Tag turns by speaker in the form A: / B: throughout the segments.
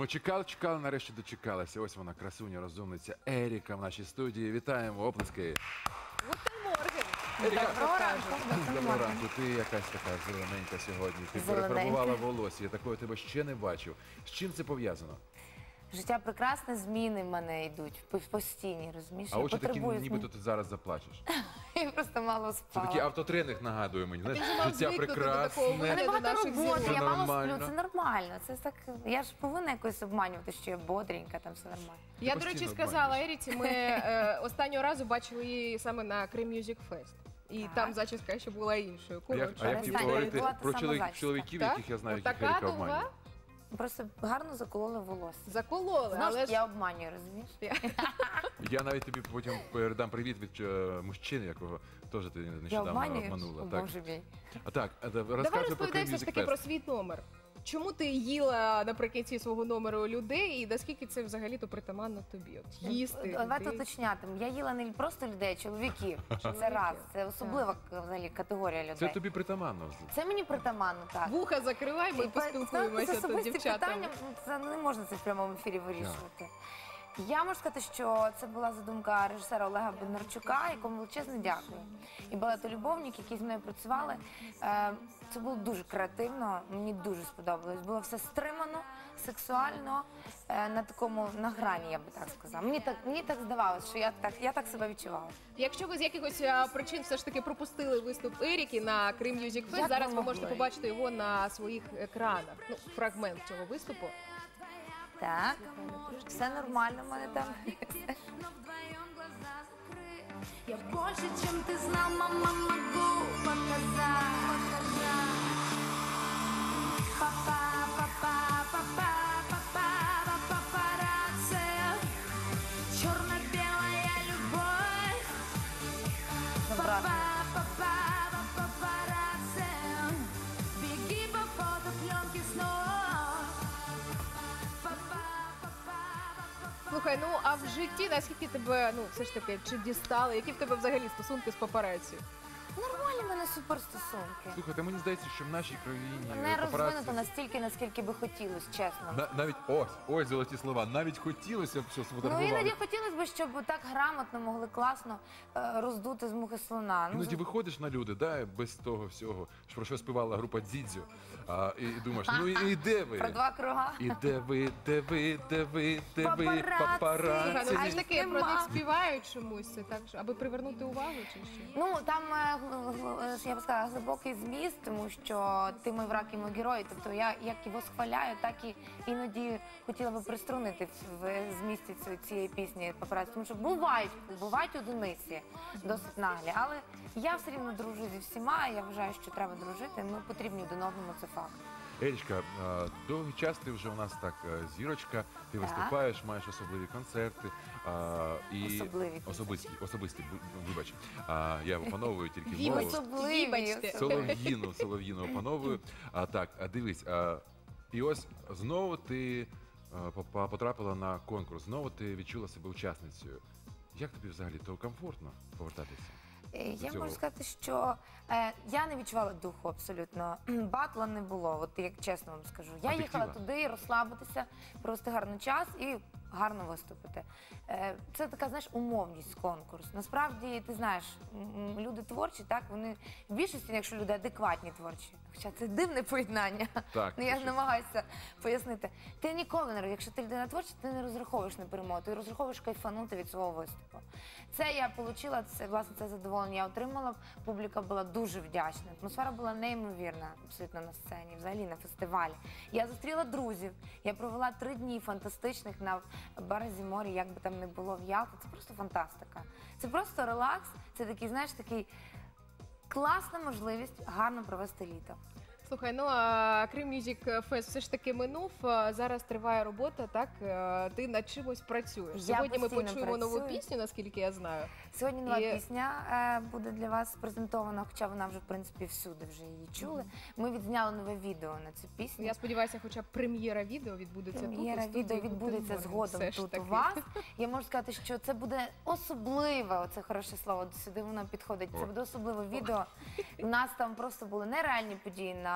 A: Ми чекали, нарешті дочекалися. Ось вона, красуня, розумниця Еріка в нашій студії. Вітаємо, оплески. Еріка,
B: Доброго ранку.
A: доброго ранку. Ти якась така зелененька сьогодні. Ти
B: Зелененька.
A: перефарбувала волосся. Я такого тебе ще не бачив. З чим це пов'язано?
B: Життя прекрасне, зміни в мене йдуть постійні, розумієш?
A: А
B: Я
A: очі такі,
B: потребую
A: ніби ти зараз заплачеш.
B: Я просто мало
A: Це
B: спала.
A: такий автотренинг нагадує мені. Знаєш,
C: вже мав
A: життя
C: звикнути до
A: прекрасне.
C: такого.
B: У мене багато
C: наших
B: роботи,
C: зірок.
B: я
A: Це
B: мало
A: нормально.
B: сплю, це нормально. Це так, я ж повинна якось обманювати, що я бодренька, там все нормально.
C: Я,
A: Ти
C: до речі,
A: постійно
C: сказала
A: обманюєш.
C: Еріці, ми останнього разу бачили її саме на Крим Music Fest. І
B: Так.
C: там зачіска ще була іншою.
A: А я хотів
B: Перестань,
A: поговорити
B: була та
A: про
B: сама зачіска.
A: чоловіків,
C: Так?
A: яких я знаю, яких
C: Така
A: Еріка
C: довга?
A: обманює.
B: Просто гарно закололи волосся.
C: Закололи,
B: Знову
C: але
B: ж
C: ж...
B: я обманюю, розумієш?
A: Я навіть тобі потім передам привіт від мужчини, якого теж ти
B: Я
A: нещодавно
B: обманюю?
A: обманула.
B: О,
A: Так.
B: Боже мій.
A: А так,
C: Давай
A: розказуй про
C: розповідай
A: Крим
C: все ж
A: Music
C: таки про
A: Fest.
C: свій номер. Чому ти їла наприкінці свого номеру людей і наскільки це взагалі-то притаманно тобі? От їсти
B: Давайте
C: людей.
B: уточнятимемо. Я їла не просто людей, а чоловіків. Це раз. Це особлива взагалі категорія людей.
A: Це тобі притаманно.
B: Це мені притаманно, так.
C: Вуха закривай, ми поспілкуємося
B: Це
C: тут,
B: особисті
C: дівчатами.
B: питання, це не можна це в прямому ефірі вирішувати. Я можу сказати, що це була задумка режисера Олега Бондарчука, якому величезно дякую. І балетолюбовник, які з мною працювали. Це було дуже креативно, мені дуже сподобалось. Було все стримано, сексуально, на грані, я би так сказала. Мені так здавалося, що я так себе відчувала.
C: Якщо ви з якихось причин все ж таки пропустили виступ Еріки на Крим Music Fest,
B: Як
C: зараз
B: ви
C: ви можете
B: могли?
C: побачити його на своїх екранах. Ну, фрагмент цього виступу.
B: Так, все нормально в мене там.
D: Но вдвоем глаза закрыть. Я больше, чем ты знал, мама, могу показать. Папа, папа, папа, папа, папарацци. Черно-белая любовь.
B: Забрати.
D: Папа, папарацци. Беги по фотопленке снова. Папа, папа.
C: Слухай, ну а в житті наскільки тебе, ну все ж таки, чи дістали? Які в тебе взагалі стосунки з папараці?
B: Нормальні в мене суперстосунки.
A: Слухайте, мені здається, що в нашій країні
B: Не
A: папараці-
B: розвинуто настільки, наскільки би хотілося, чесно.
A: Навіть ось золоті слова. Навіть хотілося б, щоб
B: Ну
A: сфотографували.
B: іноді хотілося б, щоб так грамотно могли класно роздути з мухи слона. Ну,
A: Іноді виходиш на люди, да, без того всього, про що співала група Дзідзю, і думаєш, ну і де ви?
B: про два круга.
A: І де ви,
B: Папараці.
C: Слухай, ну
A: папараці?
C: все ж таки про
B: нема.
C: них співають чомусь, це так, аби привернути увагу чи що?
B: Ну там я б сказала глибокий зміст, тому що ти мій враг і мій герой. Тобто я як його схваляю, так і іноді хотіла би приструнити в змісті цієї пісні папараці. Тому що бувають одиниці досить наглі, але я все рівно дружу зі всіма. Я вважаю, що треба дружити. Ми потрібні один одному, це факт.
A: Ерічка, довгий час ти вже у нас так зірочка, ти виступаєш, маєш особливі концерти. Особисті, вибач. Я опановую тільки мову.
C: Вибачте. Вибачте.
A: Солов'їну опановую. Дивись, і ось знову ти потрапила на конкурс, знову ти відчула себе учасницею. Як тобі взагалі то комфортно повертатися?
B: Я
A: цього?
B: можу сказати, що я не відчувала духу абсолютно. Батла не було, от як чесно вам скажу. Я
A: А ти
B: їхала
A: хотіла?
B: туди провести гарний гарний час і гарно виступити. Це така, знаєш, умовність конкурс. Насправді, ти знаєш, люди творчі, так, вони в більшості, якщо люди адекватні творчі, хоча це дивне поєднання,
A: Так,
B: ну, я
A: це
B: намагаюся пояснити. Ти ніколи не, якщо ти людина творча, ти не розраховуєш на перемогу, ти розраховуєш кайфанути від свого виступу. Це я отримала, власне, це задоволення я отримала, публіка була дуже вдячна, атмосфера була неймовірна абсолютно на сцені, взагалі на фестивалі. Я зустріла друзів, я провела 3 дні фантастичних на березі моря, як би там не було в Ялті, це просто фантастика. Це просто релакс, це такий, знаєш, такий класна можливість гарно провести літо.
C: Слухай, ну а Крим Music Fest все ж таки минув, зараз триває робота, так? Ти над чимось працюєш.
B: Я
C: Сьогодні ми
B: постійно
C: почуємо нову
B: працюю.
C: пісню, наскільки я знаю.
B: Сьогодні нова
C: І-
B: пісня буде для вас презентована, хоча вона вже, в принципі, всюди вже її чули. Ми відзняли нове відео на цю пісню.
C: Я сподіваюся, хоча б прем'єра відео відбудеться тут.
B: Прем'єра
C: у студії
B: відео
C: «Гутен
B: відбудеться
C: Морген».
B: згодом
C: Все ж
B: тут
C: таки.
B: у вас. Я можу сказати, що це буде особливе, оце хороше слово, сюди воно підходить. Це буде особливе відео. У нас там просто були нереальні події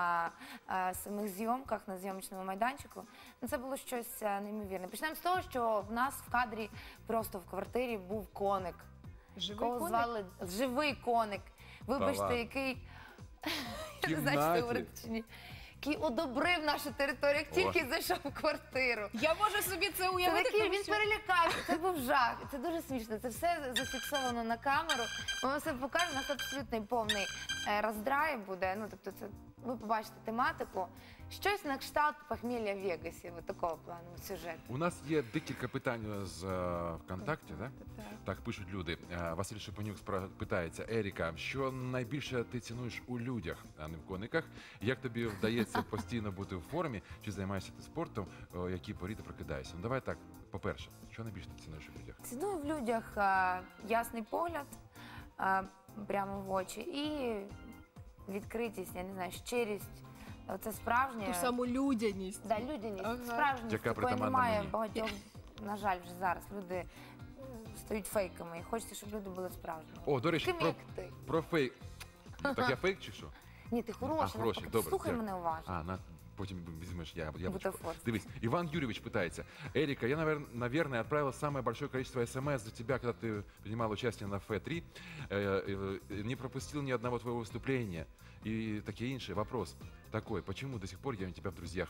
B: на самих зйомках, на зйомочному майданчику. Ну, це було щось неймовірне. Почнемо з того, що в нас в кадрі просто в квартирі був коник.
C: Живий
B: Кого
C: коник?
B: звали живий коник. Вибачте,
A: ладно.
B: який
A: В
B: я не знаю, що
A: кімнаті?
B: говорити чи ні. Який одобрив нашу територію, як тільки зайшов в квартиру.
C: Я можу собі це
B: Це
C: уявити,
B: такий,
C: тому
B: він
C: що...
B: перелякався, це був жах. Це дуже смішно. Це все зафіксовано на камеру. Ми вам все покажемо. У нас абсолютно повний роздрай буде. Ну, тобто, це ви побачите тематику. Щось на кшталт похмілля в Вегасі, от такого плану сюжет.
A: У нас є декілька питань з ВКонтакті, так?
C: Так.
A: Так пишуть люди. Василь Шепенюк питається: Еріка, що найбільше ти цінуєш у людях, а не в кониках? Як тобі вдається постійно бути в формі? Чи займаєшся ти спортом? О якій порі ти прокидаєшся? Ну давай так. По-перше, що найбільше ти цінуєш у людях?
B: Ціную в людях ясний погляд прямо в очі і відкритість, я не знаю, щирість. Це справжнє.
C: Ту саму людяність.
B: Да, людяність.
C: Ага.
B: Справжність,
A: Яка
B: такої
A: притаманна
B: немає
A: мені.
B: в багатьох. На жаль, вже зараз люди стають фейками. І хочеться, щоб люди були справжніми.
A: О, до речі,
B: Такими, як ти.
A: про фейк. Так я фейк чи що?
B: Ні, ти хороший.
A: хороший,
B: навпаки.
A: добре,
B: Слухай
A: дякую.
B: мене уважно.
A: Потім візьмеш яблочко.
B: Бутафор.
A: Дивись, Иван Юрьевич пытается. Эрика, я, наверное, отправил самое большое количество смс за тебя, когда ты принимал участие на Ф3. Не пропустил ни одного твоего выступления. И такие иншие. Вопрос такой, почему до сих пор я у тебя в друзьях?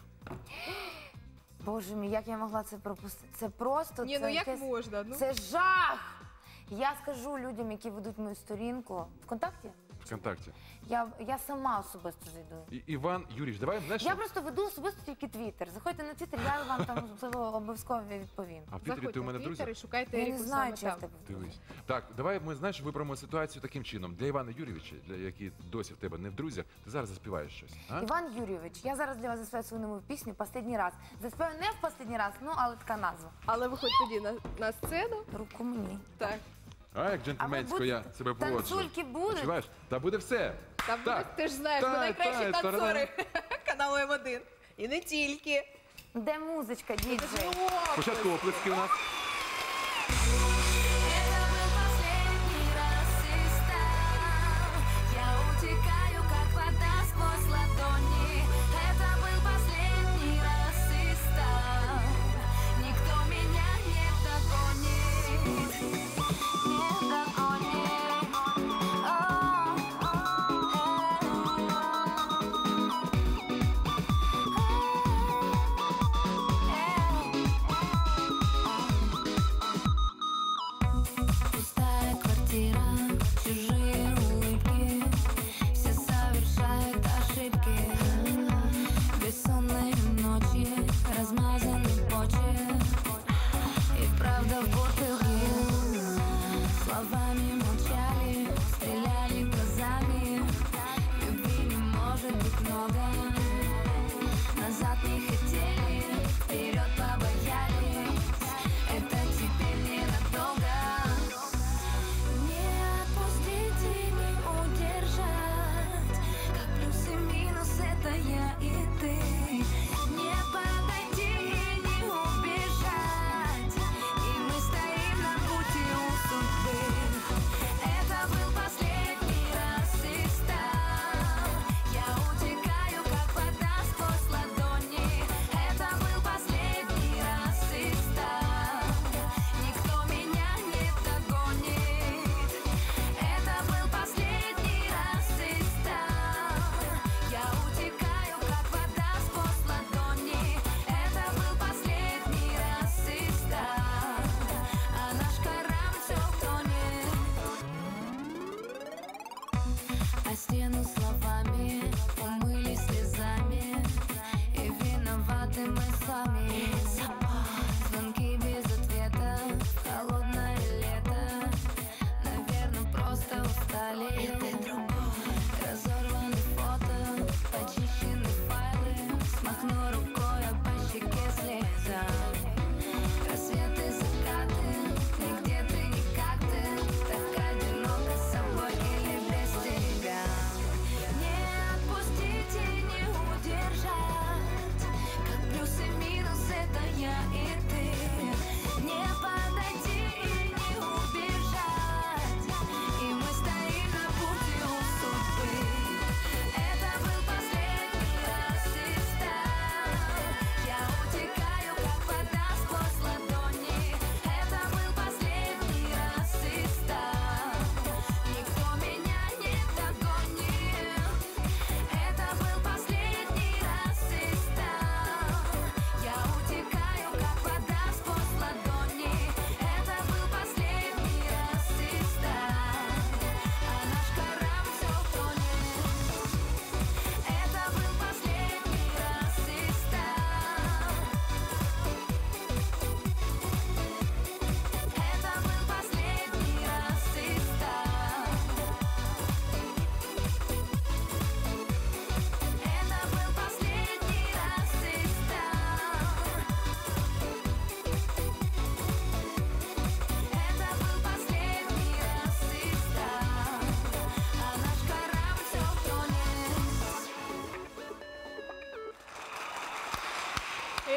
B: Боже мій, як я могла це пропустити? Це просто
C: Ні, ну
B: це
C: як
B: якесь-
C: можна? Ну,
B: Це жах! Я скажу людям, які ведуть мою сторінку ВКонтакті.
A: ВКонтакте.
B: Я сама особисто зайду.
A: Иван Юрьевич, давай, знаешь,
B: Я просто веду особисто тільки Твіттер. Заходьте на Твіттер, я вам там обов'язково відповім.
A: а в Твіттері
C: заходьте
A: ти у мене
C: в
A: в
C: Твіттер
A: друзях?
C: і шукайте
B: Я не
C: Еріку
B: знаю,
C: саме
B: чи я в
C: там.
B: тебе в друзях.
A: Дивись. Так, давай ми, знаєш, виберемо ситуацію таким чином. Для Івана Юрійовича, для який досі в тебе не в друзях, ти зараз заспіваєш щось. А?
B: Іван Юрійович, я зараз для вас заспіваю свою нову пісню «Последній раз». Заспіваю не в «Последній раз», ну, але така назва.
C: Але виходь тоді на сцену.
B: Руку мені.
C: Так.
A: А як джентльменсько я себе поводжу.
B: Танцульки будуть?
A: Відчуваєш? Та буде все.
C: Там
A: Так.
C: ти ж знаєш, ми
A: Так,
C: найкращі
A: так,
C: танцори каналу М1. І не тільки.
B: Де музичка, діджей?
A: Спочатку оплески у нас.
D: Это был последний раз и стал. Я утекаю, как вода сквозь ладони. Это был последний раз и стал. Никто меня не догонит. Не догонит.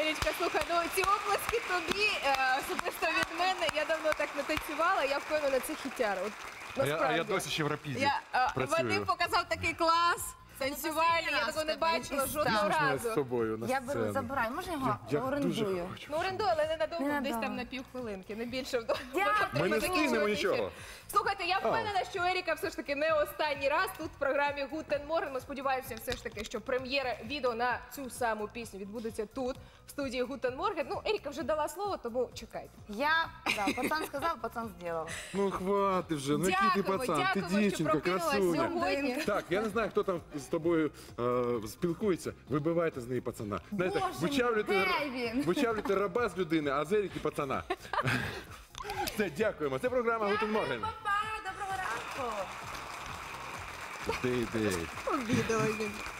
C: Ерічка, слухай, ну ці оплески тобі, особисто від мене, я давно так не танцювала, я впевнена, це хітяр. От,
A: А я
C: насправді.
A: досі ще в рапіді
C: Вадим
A: працюю.
C: показав такий клас, танцювальний, я такого не бачила жодного
A: Можна я з
C: разу.
A: собою на
B: Я беру,
A: сцену?
B: забираю. Може його
A: Я дуже
B: орендую?
A: хочу.
C: Ну, орендуй, але ненадовго, десь
B: Ненадовго.
C: там на півхвилинки, не більше.
B: Дякую.
A: Ми не встигнемо нічого.
C: Слухайте, я впевнена, що Еріка все ж таки не останній раз тут в програмі Гутен Морген. Ми сподіваємося все ж таки, що прем'єра відео на цю саму пісню відбудеться тут, в студії Гутен Морген. Ну, Еріка вже дала слово, тому чекайте.
B: Пацан сказав, пацан зробив.
A: Ну хвати вже, ну який ти пацан, ти
C: дякуємо, що
A: дівчинка,
C: прокинулась
A: красуня.
C: сьогодні.
A: Так, я не знаю, хто там з тобою спілкується. Вибивайте з неї пацана. Знаєте,
B: Боже мій, де він?
A: вичавлюйте раба з людини, а з Еріки пацана. Все, дякуємо. Це програма Гутен Морген.
B: Папа, доброго ранку.
A: Ти.
C: Обідала.